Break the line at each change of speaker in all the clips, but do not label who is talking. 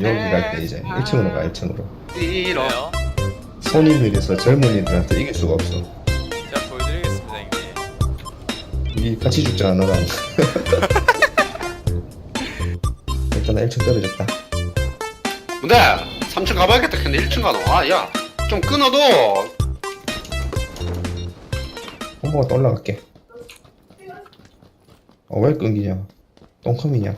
여기 갈 때 이제 1층으로 가 1층으로.
이러.
그래요?
손이 느려서 젊은이들한테 이길 수가 없어.
제가 보여드리겠습니다 형님.
우리 같이 죽잖아 너랑. 일단 나 1층 떨어졌다.
근데 3층 가봐야겠다. 근데 1층 가노. 아, 야, 좀 끊어도.
한번만 더 올라갈게. 왜 끊기냐? 똥컴이냐?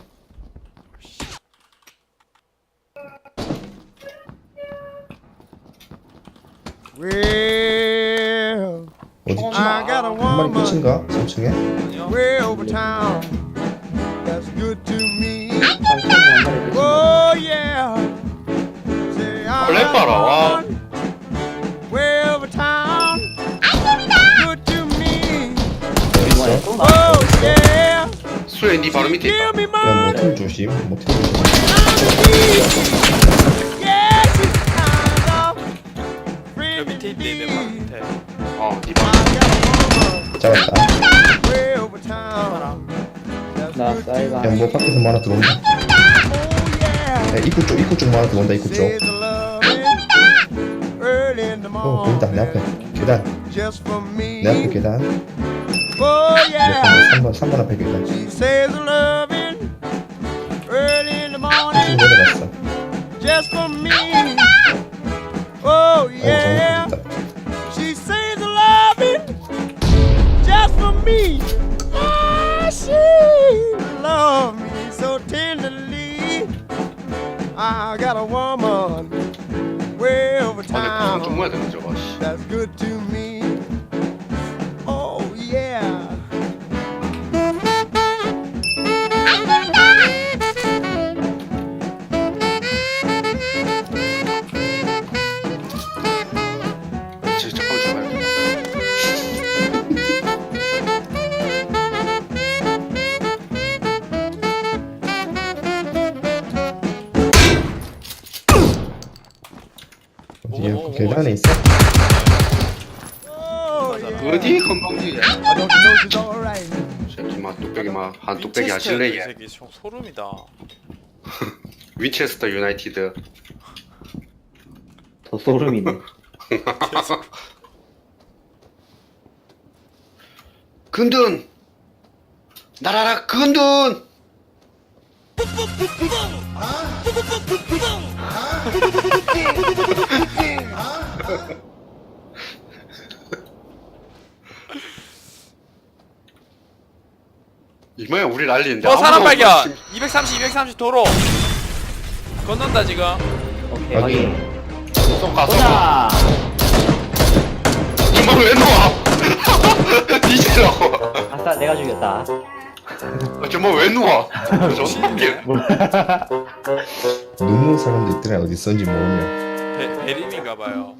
Well,
어딨지?
I got a
한 마리
woman
끝인가? 3층에?
아니요.
way over town. That's good to me.
삼촌이 한 마리 끝인가?
Oh yeah. Say I
원래
got a
봐라, 와.
woman way over town. Good to me.
이번에 또 나.
Oh yeah.
수혜 니 바로 밑에
Give
있다.
me
야
money.
모텔 조심. 모텔 조심.
Yeah, she's kind of
여
pretty
밑에 있대 내 바로 밑에.
니
I
바로.
got a woman
잡았다.
way over town. That's
나
good to
쌀가.
야 뭐 밖에서 뭐 하나 들어온다.
Oh yeah.
야 입구 쪽 뭐 하나 들어온다 입구 쪽.
Says I love it early in the
보인다 내 앞에.
morning.
계단.
Just for me.
내 앞에 계단.
Oh yeah.
3번 앞에 계단.
She says I love it early in the
지금
morning.
내려갔어.
Just for me. Oh
아이고
yeah.
잘못했다.
She says I love it just for me. Ah, she loves me so tenderly. I got a woman way over
아, 좀 모아야
town.
되는 저거. 씨.
That's good to me. Oh yeah.
잠깐만 좀 봐요.
어디야?
오,
그 계단에 있어?
Oh yeah.
어디 건방지야.
I don't know she's alright.
새끼 막 뚝배기 막한 뚝배기 하실래
이
얘.
새끼 소름이다.
위체스터 유나이티드.
더 소름이네.
근둔 날아라 근둔. 이모야 우리 난리인데.
사람
아무나
발견.
없어.
230 도로. 건넌다 지금.
오케이
확인.
확인.
쏙 가서.
보자.
이모 왜 누워? 니지라고.
아싸 내가 죽였다.
저뭐 왜 누워? 저게
눕는 사람도 있더라 어디 있었는지 모르면.
베림인가 봐요.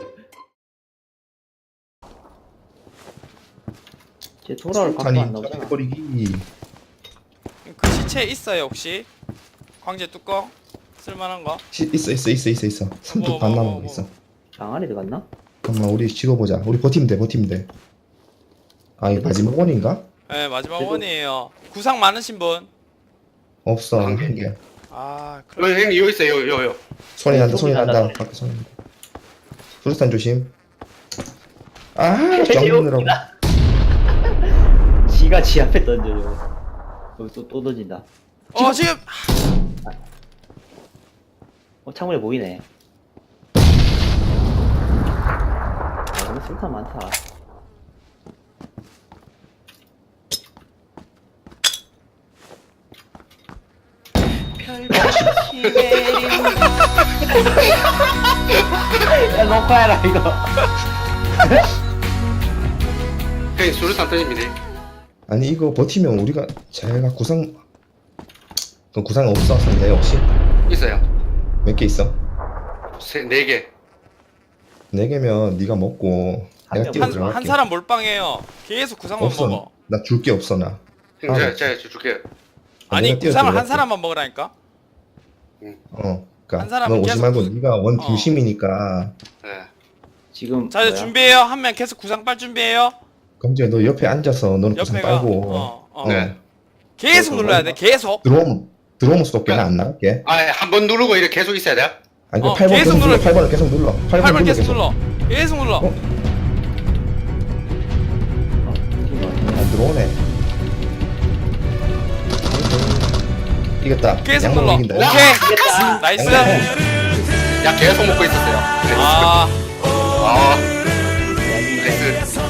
쟤 돌아올 각도
아니
안 나오잖아.
버리기.
그 시체 있어요 혹시? 광재 뚜껑 쓸만한 거?
있어. 삼뚝 반 남은 거 있어.
방 안에 들어갔나?
잠깐만 우리 찍어보자. 우리 버티면 돼. 아 이게 마지막 원인가?
네 마지막
그래도-
원이에요. 구상 많으신 분?
없어
한
한
개.
개.
아
형님 여기 있어요 요.
소리 난다.
소리 난다.
밖에 소리 난다. 수류탄 조심. 아
개웃기다.
정문으로.
지가 지 앞에 던져요. 여기 또 던진다.
지금
창문에 보이네. 아 너무 술탄 많다. 야 녹화해라 이거.
형님 수류탄 던집니다.
아니 이거 버티면 우리가 제가 구상 그 구상 없어 상대 혹시
있어요.
몇 개 있어?
네 개.
4개면 네가 먹고 내가
명.
뛰어
한
들어갈게.
사람 몰빵해요. 계속 구상만
없어.
먹어.
나 줄 게 없어 나.
형
아,
제가 줄게요.
아니
내가 뛰어
구상을 한
들어갈게.
사람만 먹으라니까.
어. 그러니까
한 사람은
넌 오지
계속
말고
구-
네가 원
어.
중심이니까.
네.
지금
자 이제
뭐야?
준비해요. 한 명 계속 구상 빨 준비해요.
검지야 너 옆에 앉아서 너는 구상
옆에가
빨고
어.
네.
계속 눌러야 돼. 계속.
들어오면 들어오면 쏠게. 나 안 나갈게.
아, 한 번 누르고 이렇게 계속 있어야 돼?
아니 그
어,
8번
계속
계속 눌러.
눌러.
8번을 계속 눌러. 8번
8번
눌러
계속 눌러. 계속 눌러.
어? 안 들어오네. 이겼다.
계속
양놈
눌러.
이긴다.
오케이. 나이스.
야, 계속 먹고 있었어요.
아.
아, 나이스.